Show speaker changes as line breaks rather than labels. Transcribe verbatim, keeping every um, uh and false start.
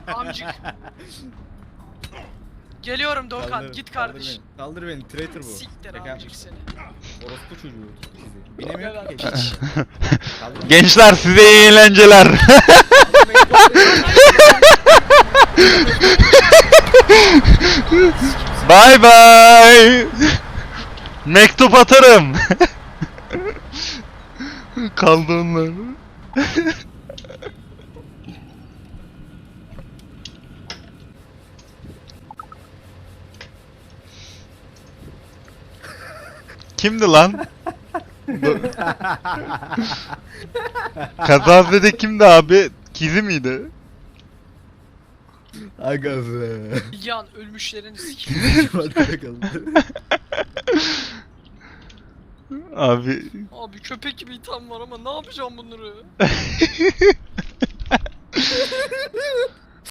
Amcık. Geliyorum Doğukan,
Kaldır,
git
kaldır
kardeş.
beni. Kaldır beni, traitor bu.
Siktir
Şaka
amcık
yapmış.
seni.
Orospu çocuğu sizi. Binemiyor
Evet,
ki.
piç.
Kaldır beni.
Gençler size iyi eğlenceler. Bye bye. Mektup atarım. Kaldı onlar. Kimdi lan? Kazazede kimdi abi? Kizi miydi?
Aga be.
Yan ölmüşlerin siktir.
Arkada kaldı.
Abi
Abi köpek gibi itham var ama ne yapacağım bunları?